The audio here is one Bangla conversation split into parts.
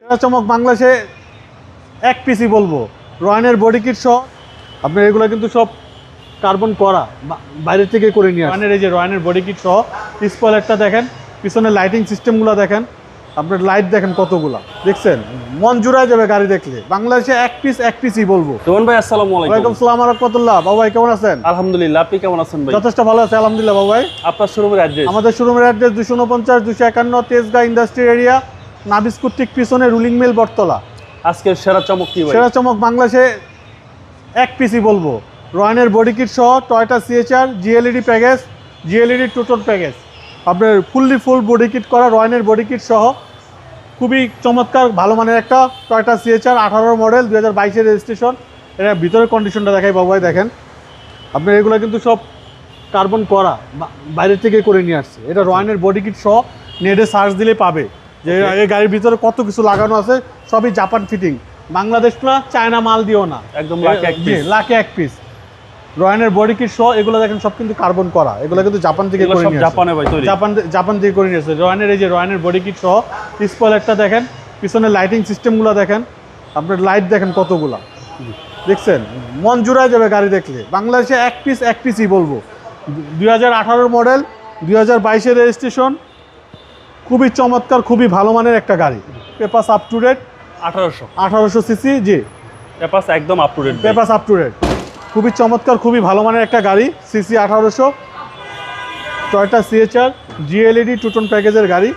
চমক বাংলাদেশে এক পিসই বলবো রয়্যানের বডি কিট সহ। আপনার এগুলো কিন্তু সব কার্বন করা, বাইরে থেকে করে নিয়ে রয়্যানের এই যে রয়্যানের বডি কিট সহ। স্পয়লারটা দেখেন, পিছনে লাইটিং সিস্টেমগুলো দেখেন, আপনার লাইট দেখেন কতগুলা, দেখছেন মন জুড়ায় যাবে গাড়ি দেখলে। বাংলাদেশে এক পিসই বলবো। রোহন ভাই আসসালামু আলাইকুম। ওয়ালাইকুম আসসালাম ওয়া রাহমাতুল্লাহ। বাবু ভাই কেমন আছেন? আলহামদুলিল্লাহ, আপনি কেমন আছেন ভাই? যথেষ্ট ভালো আছে আলহামদুলিল্লাহ। বাবু ভাই আপনার শোরুমের অ্যাড্রেস? আমাদের শোরুমের address 249 251 Tejgaon industry area, Nabisco ঠিক পিছনে রুলিং মিল বটতলা। আজকের সেরা চমক কি ভাই? সেরা চমক বাংলাদেশে এক পিসই বলবো রয়্যানের বডি কিট সহ, Toyota CHR GLED package, GLED two tone package, আপনার ফুল বডি কিট করা রয়্যানের বডি কিট সহ। খুবই চমৎকার ভালো মানের একটা টয়োটা সিএচআর 18 মডেল 2022-এর রেজিস্ট্রেশন। এটা ভিতরের কন্ডিশনটা দেখাই বাবু ভাই, দেখেন আপনার এগুলো কিন্তু সব কার্বন করা, বাইরে থেকে করে নিয়ে আসছে। এটা রয়্যানের বডি কিট সহ, নেটে সার্চ দিলে পাবে যে এই গাড়ির ভিতরে কত কিছু লাগানো আছে। সবই জাপান ফিটিং, বাংলাদেশ না, চায়না মাল দিও না, একদম লাখে এক পিস। রয়্যানের বডি কিট সহ এগুলো দেখেন সব কিন্তু কার্বন করা। এগুলো কিন্তু জাপান থেকে করে নিয়ে আসছে। জাপানে ভাই তৈরি, জাপান থেকে করে নিয়ে আসছে। রয়্যানের এই যে রয়্যানের বডি কিট সহ। স্পয়লারটা দেখেন, পিছনে লাইটিং সিস্টেমগুলো দেখেন, আপনার লাইট দেখেন কতগুলা, দেখছেন মন জুড়ায় যাবে গাড়ি দেখলে। বাংলাদেশে এক পিসই বলবো। 2018 মডেল 2022-এর রেজিস্ট্রেশন। খুবই চমৎকার, খুবই ভালো মানের একটা গাড়ি। Papers up to date, 1800 CC. জি, পেপাস একদম up to date. Papers up to date, খুবই চমৎকার, খুবই ভালো মানের একটা গাড়ি। CC 1800, Toyota CHR GLED two tone প্যাকেজের গাড়ি।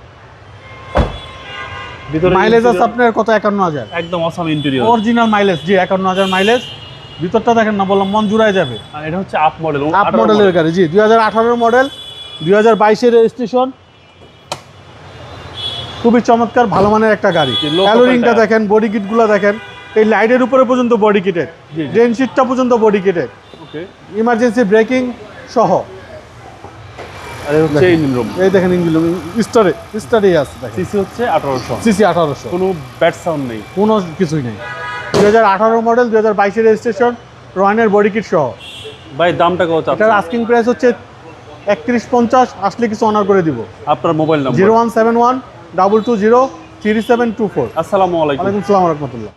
মাইলেজ আছে আপনার কত? 51,000। একদম অসাম ইন্টেরিয়র, অরিজিনাল মাইলেজ। জি, 51,000 মাইলেজ। ভিতরটা দেখেন না, বললাম মন জুড়ায় যাবে। আর এটা হচ্ছে আপ মডেল, আপ মডেলের গাড়ি। জি, 2018 মডেল 2022-এর রেজিস্ট্রেশন। খুবই চমৎকার ভালো মানের একটা গাড়ি। ক্যালোরিংটা দেখেন, বডি কিটগুলো দেখেন, এই লাইটের উপরে পর্যন্ত বডি কিটেড, ড্রেন শিটটা পর্যন্ত body kitted, okay, emergency braking সহ। আর এই হচ্ছে ইঞ্জিন রুম। এই দেখেন ইঞ্জিন রুম স্টারে আছে। সিসি হচ্ছে 1800, সিসি 1800, কোনো ব্যাড সাউন্ড নেই, কোনো কিছুই নেই। 2018 মডেল 2022-এর রেজিস্ট্রেশন, রয়্যানের বডি কিট সহ। ভাই দামটা কত? এটার আস্কিং প্রাইস হচ্ছে 3150, আসলে কিছু অনার করে দিব। আপনার মোবাইল নাম্বার? 0171 220 3724। আসসালামু আলাইকুম। ওয়ালাইকুম আসসালাম ওয়া রাহমাতুল্লাহ।